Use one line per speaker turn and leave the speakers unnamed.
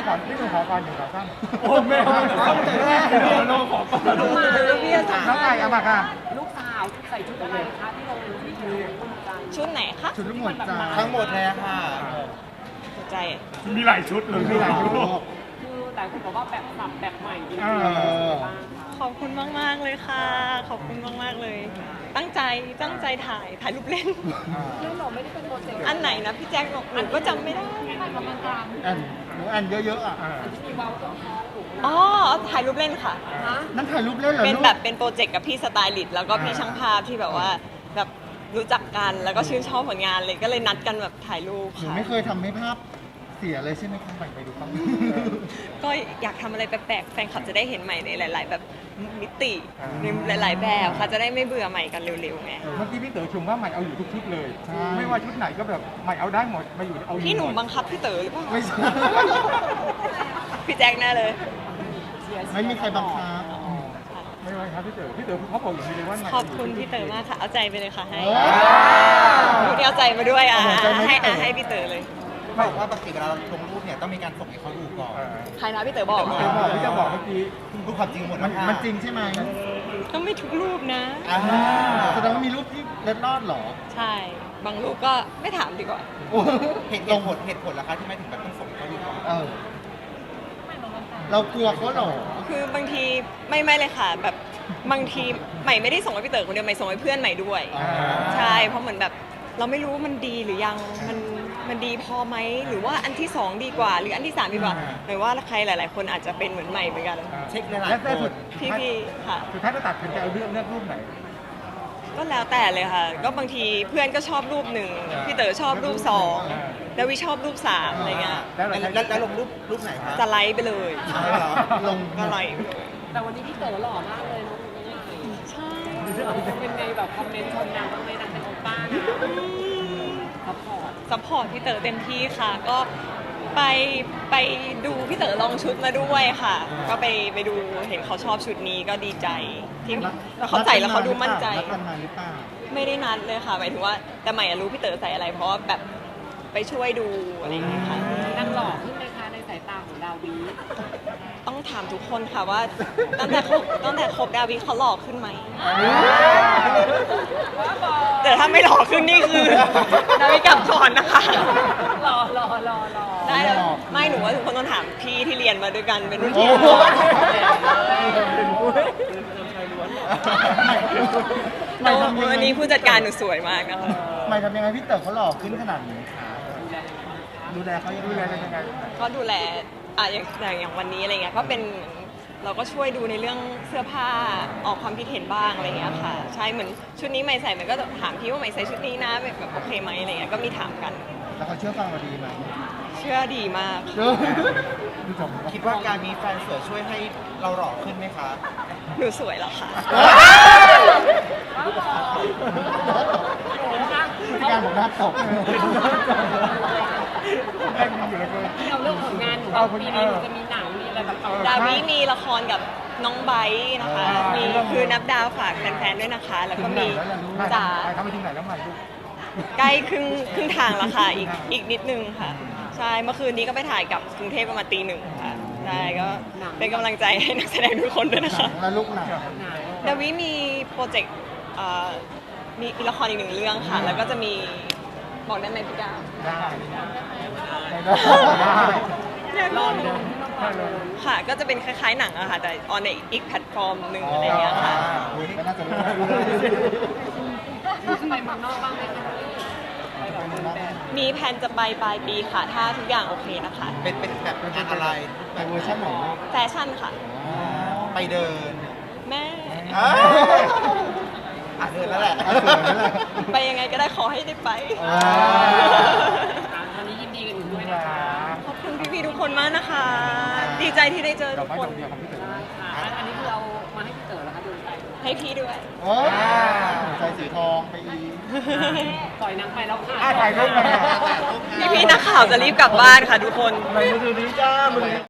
พี่หนูขอก่อนหนึ่งขอตั้ง
โอ้แม่ต้องใจแรกน้องขอก่อน
น้องมาพี่จะ
น้องไก่เอามาค่ะ
ลูกสาวใส่ชุดอะไรคะที่ลงที่อยู่บนใจ
ชุดไหนคะ
ชุดลูกหมวดจ้า
ทั้งหมดเลยค่ะ
หัวใจ
มีหลายชุดเลย
มีหลายชุด
คือแต่คุณบอกว่าแบบสับแบบใหม่ดี
เออ
บ้างคะ
ขอบคุณมากๆเลยค่ะ ขอบคุณมากๆเลย ตั้งใจถ่ายรูปเล่น
เรื่องเราไม่ได้เป็นโปรเจกต์
อันไหนนะพี่แจ็คบอกหนูก็จำไม่ได้
ถ่ายกำลังกลาง
แอนหนูแอนเยอะๆอ่ะ
ที่มีเว้าตรงคอถูก
อ๋อถ่ายรูปเล่นค่ะ
นะ
นั่นถ่ายรูปเล่นเหรอ
เป็น
ลูก
แบบเป็นโปรเจกต์กับพี่สไตลิสต์แล้วก็พี่ช่างภาพที่แบบว่าแบบรู้จักกันแล้วก็ชื่นชอบผลงานเลยก็เลยนัดกันแบบถ่ายรูป
หนู
ค่ะ
ไม่เคยทำให้ภาพเสียเลยใช่ไหมคะไปดูครับ
ก็อยากทำอะไรแปลกๆแฟนคลับจะได้เห็นใหม่ในหลาย ๆ แบบมิติในหลาย ๆ แบบค่ะจะได้ไม่เบื่อใหม่กันเร็วๆไง
เมื่อกี้พี่เต๋อชมว่าใหม่เอาอยู่ทุกชุดเลย
ใช่
ไม่ว่าชุดไหนก็แบบใหม่เอาได้หมดมาอยู่เอาอยู่
พี่หนุ่ม
มด
บังคับพี่เต๋อหรือเปล่า
ไม่ใช่
พี่แจ็คแน่เลย
ไม่มีใครบังคับ
ไม่ว่าครับพี่เต๋อเขาบอกอย่างนี้เลยว่าใหม่
ขอบคุณพี่เต๋อมากค่ะ เอาใจไปเลยค่ะให้
โอ้
พูดเอาใจมาด้วยอ่ะ
เอาใจมาให้
ให้
พี่เต๋อ
ให้พี่เต๋อเลย
บอกว่าปกติเวลาเราลงรูปเนี่ยต้องมีการส่งให้เขาดูก่อน
ใครนะพี่เต๋อบอก
พี่เต๋อบอกพี่จะบอกเมื่อกี้
ดูความจริงหมด
มัน
นะคะ
มันจริงใช่ไหม
ก็ไม่ทุกรูปนะ
อ่า
แสดงว่ามีรูปที่เล็ดลอดเหรอ
ใช่ บางรูปก็ไม่ถามดีกว่า
โอ้
เหตุผลล่ะคะที่ไม่ถึงแบบต้องส่งให้เขาดูก่อน
เออเรากลัวเขาเหรอ
คือบางทีไม่เลยค่ะ แบบบางทีใหม่ไม่ได้ส่งให้พี่เต๋อคนเดียวใหม่ส่งให้เพื่อนใหม่ด้วย
อ่า
ใช่ เพราะเหมือนแบบเราไม่รู้ว่ามันดีหรือยัง มันดีพอไหม หรือว่าอันที่สองดีกว่า หรืออันที่สามดีกว่าหมายว่าใครหลาย ๆ คนอาจจะเป็นเหมือนใหม่เหมือนกัน
เช็คหลาย
และ
ๆ
แต่
ค
สุ
น
ด
พี่ๆค่ะ
สุดท้ายจะตัดสินใจเอาเลือกรูปไหน
ก็แล้วแต่เลยค่ะ ก็บางทีเพื่อนก็ชอบรูปหนึ่งพี่เต๋อชอบรูปสองแล้ววิชอบรูปสามอะไรเงี้ย
แล้วลงรูปไหนคะ
สไลด์ไปเลย
ใช่เหรอ
ลง
ก็ไลด์ไปเลย
แต่วันนี้พี่เต๋อหล่อมากเลยน้องใหม่
ใช่
เป็นไงแบบคอมเมนต์ชมนางบ้างไหมนางเป็นโอป้านะซัพพอร์ต
ซัพพอร์ตพี่เต๋อเต็มที่ค่ะ ก็ไปดูพี่เต๋อลองชุดมาด้วยค่ะ ก็ไปดูเห็นเขาชอบชุดนี้ก็ดีใจที่แล้วเขาใส่แล้วเขาดูมั่นใจ
นัดกันมาหรือเปล่า
ไม่ได้นัดเลยค่ะหมายถึงว่าแต่ใหม่อะรู้พี่เต๋อใส่อะไร เพราะว่าแบบไปช่วยดูอะไรอย่างเงี้ยค่ะ
นางหล่อขึ้นไหมคะในสายตาของดาวี
ต้องถามทุกคนค่ะว่าตั้งแต่คบดาวิเขาหล่อขึ้นไหม แต่ถ้าไม่หล่อขึ้นนี่คือดาวิกลับก่อนนะคะ
หล่อ
ได้แล้วไม่หนูว่าทุกคนต้องถามพี่ที่เรียนมาด้วยกันเป็นรุ่น
โอ้
พี่
โห
แต่ว่าวันนี้ผู้จัดการหนูสวยมากนะคะ
ไม่ทำยังไงพี่เต๋อเขาหล่อขึ้นขนาดนี้คะดูแลเขายัง
ดูแล
ไง
กันยังไง
ก็ดูแลอย่างวันนี้อะไรเงี้ยก็เป็นเราก็ช่วยดูในเรื่องเสื้อผ้าออกความคิดเห็นบ้างอะไรเงี้ยค่ะใช่เหมือนชุดนี้ใหม่ใส่มันก็ถามพี่ว่าใหม่ใส่ชุดนี้นะแบบโอเคไหมอะไรเงี้ยก็มีถามกัน
แล้วเขาเชื่อฟังเราดีไหม
เชื่อดีมาก
ดูจบ
คิดว่าการมีแฟนสวยช่วยให้เราหล่อขึ้นไหมคะ
หนูสวยแล้วค่ะ
พี่การบอกหน้าตก
แม่งอยู่แล้วก็
เราเรื่องผลงานหนูว่าปีนี้หนูจะมีหนังมีอะไรแบบต่อ
ดาวิมีละครกับน้องไบร์ทนะคะมีคือนับดาวฝากแฟนๆด้วยนะคะ แล้วก็มีจ๋า
ทำไปถึงไหนแล้วใหม่ลูก
ใกล้ครึ่งทางแล้วค่ะอีกนิดนึงค่ะ ใช่เมื่อคืนนี้ก็ไปถ่ายกับกรุงเทพประมาณตี 1ค่ะใช่ก็เป็นกำลังใจให้นักแสดงทุกคนด้วยนะคะ
แล้วลูกหนัง
ดาวิมีโปรเจกต์มีละครอีกหนึ่งเรื่องค่ะ แล้วก็จะมีบอกได้ไหมพี่ก้าว
ได้
อยาก
ร
ร
อ
อ
ดู
ดู
ที่ต้องรอดู
ค่ะ ก็จะเป็นคล้ายๆหนังอะค่ะ แต่ออนในอีกแพลตฟอร์มหนึ่งอะไรอย่างเงี้ยค่ะ
ก็น่าจะรู้
จะไปเมืองนอกบ้างไหมคะไปแบบเดินแบบ
มีแผนจะไปปลายปีค่ะ ถ้าทุกอย่างโอเคนะคะ
เป็นแบบงานอะไร
แต่เวอร์ชันไหน
แฟชั่นค่ะ
ไปเดิน
แม่
เดินแล้วแหละ
ไปยังไงก็ได้ขอให้ได้ไป
วันนี้ยินดีกับหนูด้วยนะคะ
ขอบคุณพี่ๆทุกคนมากนะคะ ดีใจที่ได้เจอ
ดอ
ทุ
ก
ก
ไม้
ค
ด
น
อกเดียวของพี่เต๋อ
ค่ะอันนี้คือเอามาให้พี่เต๋อแล้วคะดูใจ
ให้พี่ด้วย
โอ้ใส่สีทองไปอีก
ปล่อยนางไปแล้วค่ะ
ถ่ายรูปมา
พี่ๆนักข่าวจะรีบกลับบ้านค่ะทุกคน
ไหนมือถือนี้จ้ามือ